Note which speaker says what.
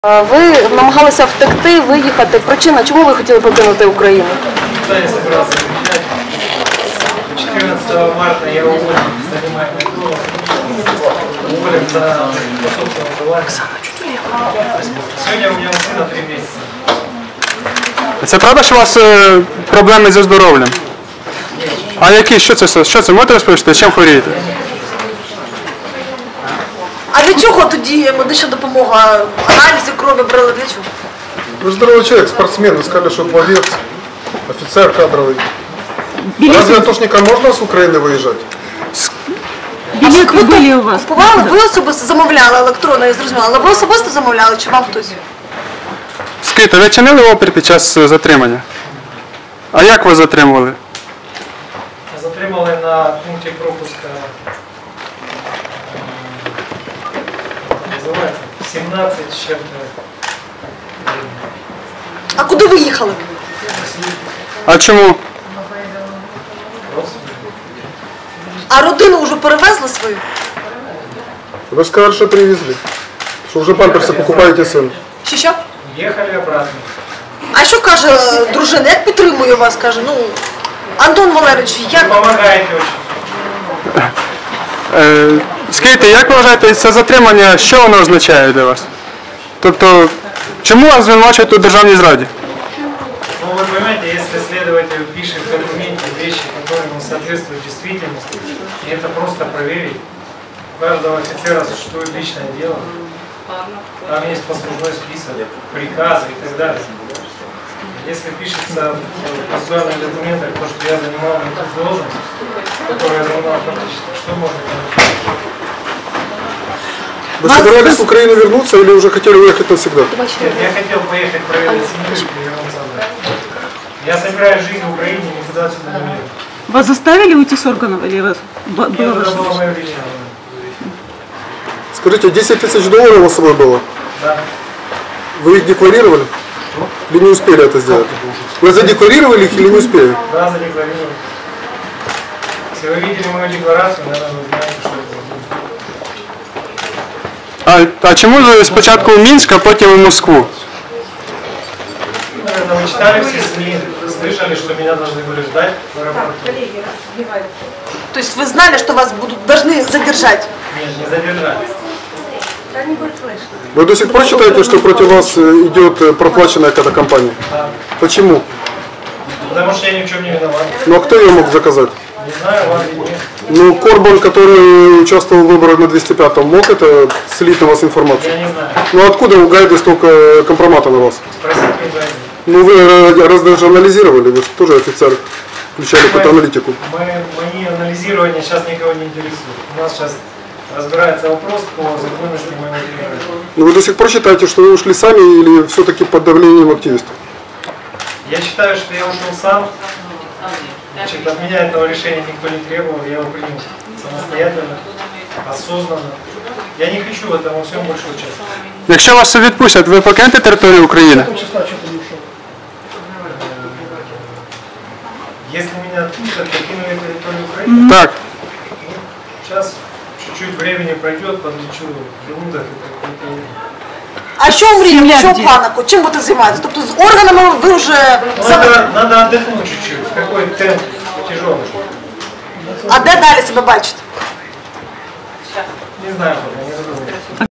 Speaker 1: Ви намагалися втекти, виїхати. Причина, чому ви хотіли покинути Україну?
Speaker 2: Я собирался приезжать. 14 марта я уволен, занимаю МcDonald's. Уволен за собственное желание. Сегодня у меня сына 3 месяца.
Speaker 3: Це правда, що у вас проблеми зі здоров'ям? А які? Що це? Можете розповісти? Чим хворієте?
Speaker 4: А для чого тоді медична допомога? Аналізи крові брали для чого?
Speaker 5: Вы здоровый человек, спортсмен, вы сказали, что пловец, офицер кадровый. Разве атошникам можно с Украины выезжать?
Speaker 4: Білети були у вас? Купували? Ви особисто замовляли електронно, я зрозуміла. Але ви особисто замовляли, чи вам хтось?
Speaker 3: Скажіть, ви чинили опір під час затримання? А як ви затримували?
Speaker 2: Затримали на пункте пропуска, называется, 17 с чем-то.
Speaker 4: А куди ви їхали?
Speaker 3: А чому?
Speaker 4: А родину вже перевезли свою?
Speaker 5: Вы сказали, что привезли. Что уже памперсы покупаете сами.
Speaker 4: Що?
Speaker 2: Ехали обратно.
Speaker 4: А що каже дружина? Як підтримує вас? Каже, Антон Валерійович, як?
Speaker 2: Помогаете очень.
Speaker 3: Скажіть, як ви вважаєте, це затримання, що воно означає для вас? Тобто, чому вас звинувачують у державній зраді?
Speaker 2: Ну, вы понимаете, если следователь пишет в документе вещи, которые не соответствуют действительности, и это просто проверить. У каждого офицера существует личное дело. Там есть послужной список, приказы и так далее. Если пишется в процессуальных документах то, что я занимал не ту должность, которую я занимал фактически, что можно делать?
Speaker 5: Вы собирались в Украину вернуться или уже хотели уехать навсегда?
Speaker 2: Нет, я хотел поехать проведать семью и вернуться обратно. Я собираю жизнь в Украине, никуда отсюда не еду.
Speaker 6: Вас заставили уйти с органов или вас было
Speaker 2: Это
Speaker 6: ваше
Speaker 2: было
Speaker 6: решение?
Speaker 2: мое личное.
Speaker 5: Скажите, 10 тысяч долларов у вас с собой было?
Speaker 2: Да.
Speaker 5: Вы их декларировали? Или не успели это сделать? Вы задекларировали их или не успели?
Speaker 2: Да, задекларировал. Если вы видели мою декларацию, наверное, вы знаете, что это было.
Speaker 3: А чому ви спочатку в Мінськ, а потім в Москву?
Speaker 2: Наверное, вы читали все СМИ, слышали, что меня должны были ждать в аэропорту.
Speaker 4: Тобто ви знали, що вас должны задержать?
Speaker 2: Нет, не задержали.
Speaker 5: Вы до сих пор считаете, что против вас идет проплаченная какая-то компания?
Speaker 2: Да.
Speaker 5: Почему?
Speaker 2: Потому что я ни в чем не виноват.
Speaker 5: Ну а кто ее мог заказать?
Speaker 2: Не знаю, вам виднее.
Speaker 5: Ну, Корбан, который участвовал в выборах на 205-м, мог это слить на вас информацию?
Speaker 2: Я не знаю.
Speaker 5: Ну откуда у Гайда столько компромата на вас?
Speaker 2: Спросите у Гайда.
Speaker 5: Ну вы даже анализировали, вы же тоже офицер, включали под аналитику.
Speaker 2: Мои анализирования сейчас никого не интересуют. У нас сейчас разбирается вопрос по законности моего деления.
Speaker 5: Ну вы до сих пор считаете, что вы ушли сами или все-таки под давлением активистов?
Speaker 2: Я считаю, что я ушел сам. Значит, от меня этого решения никто не требовал, я его принял самостоятельно, осознанно. Я не хочу в этом во всем больше участвовать.
Speaker 3: Якщо вас відпустять, ви покинете територію України?
Speaker 2: Если меня отпустят, покину я территорию Украины.
Speaker 3: Так.
Speaker 2: Сейчас чуть-чуть времени пройдет, подлечу желудок и так.
Speaker 4: А що мрієте? Що планику? Чим будете займатися? Тобто з органами ви вже...
Speaker 2: Надо отдохнуть чуть-чуть. Какой темп тяжелый.
Speaker 4: А де далі себе бачите?
Speaker 2: Не знаю, пока не задумывался.